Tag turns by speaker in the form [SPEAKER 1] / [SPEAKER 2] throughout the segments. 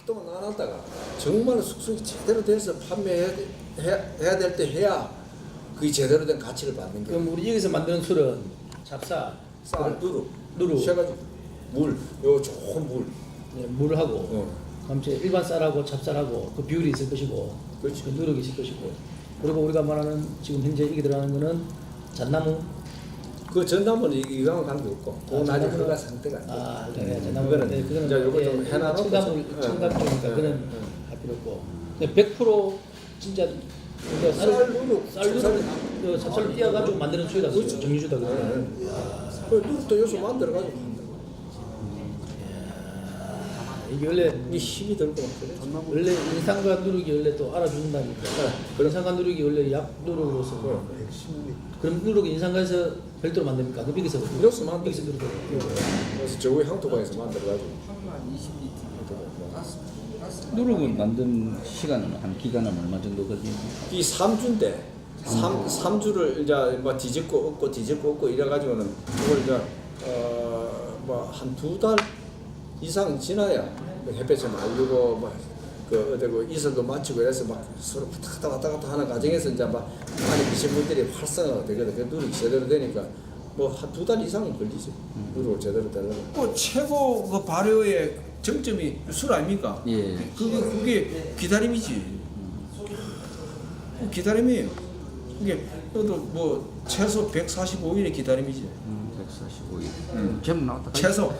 [SPEAKER 1] 활동을 안 하다가 정말 숙성이 제대로 돼서 판매해야 될 때 해야 그게 제대로 된 가치를 받는 게.
[SPEAKER 2] 그럼 우리 여기서 만드는 술은 찹쌀,
[SPEAKER 1] 쌀,
[SPEAKER 2] 누룩,
[SPEAKER 1] 세 가지. 물, 요 좋은 물.
[SPEAKER 2] 네, 물하고, 그다음 이제 일반 쌀하고 찹쌀하고 그 비율이 있을 것이고,
[SPEAKER 1] 그렇지.
[SPEAKER 2] 그 누룩이 있을 것이고, 그리고 우리가 말하는 지금 현재 이게 들어가는 거는 잣나무.
[SPEAKER 1] 그 전담은 이거랑 관계없고, 그건 아직 허가 상태가 안 돼.
[SPEAKER 2] 아, 네, 잣나무.
[SPEAKER 1] 그거는
[SPEAKER 2] 네, 그거는
[SPEAKER 1] 이제 요거 좀 해놔놓고
[SPEAKER 2] 첨가물, 첨가물이니까 그는 할 필요 없고. 근데 100% 진짜 우리가
[SPEAKER 1] 쌀, 누룩,
[SPEAKER 2] 그 찹쌀을 띄어가지고 만드는 술이다,
[SPEAKER 1] 그렇죠.
[SPEAKER 2] 정유주다 그래.
[SPEAKER 1] 그 누룩도 요소 만들어가지고 한다.
[SPEAKER 2] 이게 원래
[SPEAKER 1] 이 힘이 들고 막 그래.
[SPEAKER 2] 원래 인상과 누룩이 원래 또 알아준다니까. 인상과 누룩이 원래 약 누룩으로서. 그럼 누룩이 인상과에서 별도로 만듭니까? 그 비기서
[SPEAKER 1] 여기서 만들어.
[SPEAKER 2] 비기서 누룩.
[SPEAKER 1] 그래서 저기 향토방에서 만들어가지고.
[SPEAKER 3] 누룩은 만든 시간은 한 기간은 얼마 정도 걸립니까?
[SPEAKER 1] 이 3주인데 3주를 이제 뭐 뒤집고 엎고 이래가지고는 그걸 이제 뭐 한 2달 이상 지나야 햇볕을 말리고 뭐그 어디 그 이슬도 맞추고 이래서 막 서로 왔다 갔다 하는 과정에서 이제 막 안에 미생물들이 활성화가 되거든. 그 누룩이 제대로 되니까 뭐 한 2달 이상은 걸리지. 누룩을 제대로 되려면. 그 최고 그 발효의 정점이 술 아닙니까?
[SPEAKER 3] 예.
[SPEAKER 1] 그게 기다림이지. 기다림이에요. 이게 너도 뭐 최소 145일의 기다림이지.
[SPEAKER 3] 145일. 전부 나왔다.
[SPEAKER 1] 최소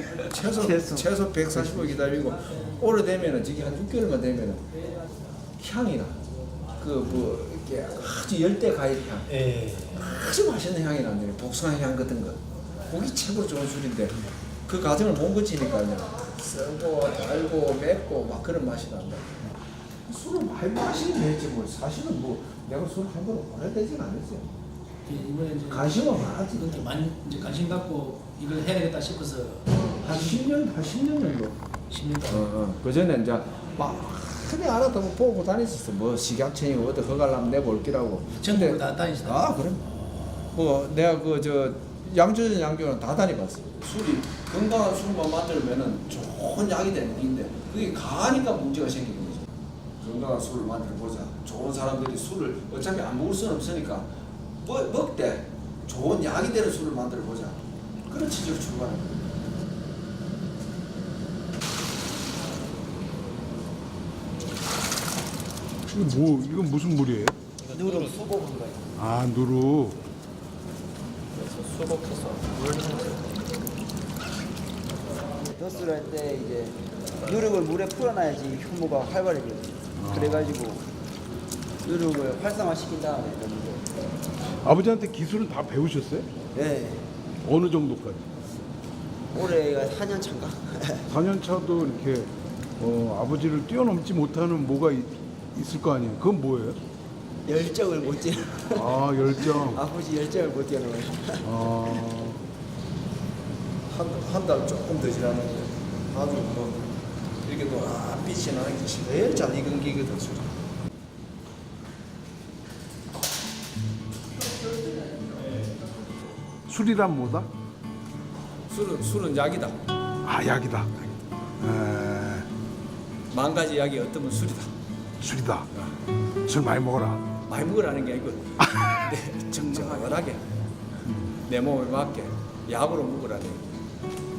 [SPEAKER 1] 145일 기다리고 오래되면은 저기 한 6개월만 되면은 향이나 그 뭐 이렇게 아주 열대 과일 향, 아주 맛있는 향이 나는데 복숭아 향 같은 거, 그게 최고 좋은 술인데 그 과정을 못 거치니까요. 쓰고 달고 맵고 막 그런 맛이 난다. 술을 많이 마시긴 했지 뭐 사실은 뭐 내가 술 한 번 오래되진 않았어요.
[SPEAKER 2] 이번에 이제
[SPEAKER 1] 관심은 많았지.
[SPEAKER 2] 이것도 많이 이제 관심 갖고 이걸 해야 되겠다 싶어서
[SPEAKER 1] 한 10년 정도.
[SPEAKER 2] 10년 동안.
[SPEAKER 1] 그 전에 이제 막 흔히 알았다고 보고 다녔었어. 뭐 식약청이고 어디 허가를 한번 내볼기라고.
[SPEAKER 2] 전국을 다 다니시다.
[SPEAKER 1] 아 그럼. 뭐 내가 그 저 양조전 양조는 다 다녀봤어. 술이 건강한 술만 만들면은 좋은 약이 되는 건데 그게 가니까 문제가 생기는 거죠. 건강한 술을 만들어 보자. 좋은 사람들이 술을 어차피 안 먹을 수는 없으니까 먹되 좋은 약이 되는 술을 만들어 보자. 그런 취지로 출발한 거예요.
[SPEAKER 4] 이건 무슨 물이에요?
[SPEAKER 2] 누룩 수복한 거예요.
[SPEAKER 4] 아, 누룩.
[SPEAKER 2] 수복해서
[SPEAKER 5] 덧수를 할 때 이제 누룩을 물에 풀어놔야지 효모가 활발해져요. 그래가지고 누룩을 활성화시킨 다음에 넣는 거예요.
[SPEAKER 4] 아버지한테 기술은 다 배우셨어요?
[SPEAKER 5] 네.
[SPEAKER 4] 어느 정도까지?
[SPEAKER 5] 올해가 4년 차인가?
[SPEAKER 4] 4년 차도 이렇게 아버지를 뛰어넘지 못하는 뭐가 있을 거 아니에요? 그건 뭐예요?
[SPEAKER 5] 열정을 못 뛰어.
[SPEAKER 4] 아, 열정.
[SPEAKER 5] 아버지 열정을 못 뛰어넘어요.
[SPEAKER 4] 아,
[SPEAKER 1] 한 달 조금 더 지나는데 아주 뭐 이렇게 또 빛이 나는 게 제일 잘 익은 기거든 술이.
[SPEAKER 4] 술이란 뭐다?
[SPEAKER 1] 술은 약이다.
[SPEAKER 4] 아, 약이다.
[SPEAKER 1] 만 가지 약이 어떠면 술이다.
[SPEAKER 4] 술이다. 술 많이 먹어라.
[SPEAKER 1] 많이 먹으라는 게 아니고 내 적정하게 내 몸에 맞게 약으로 먹으라는.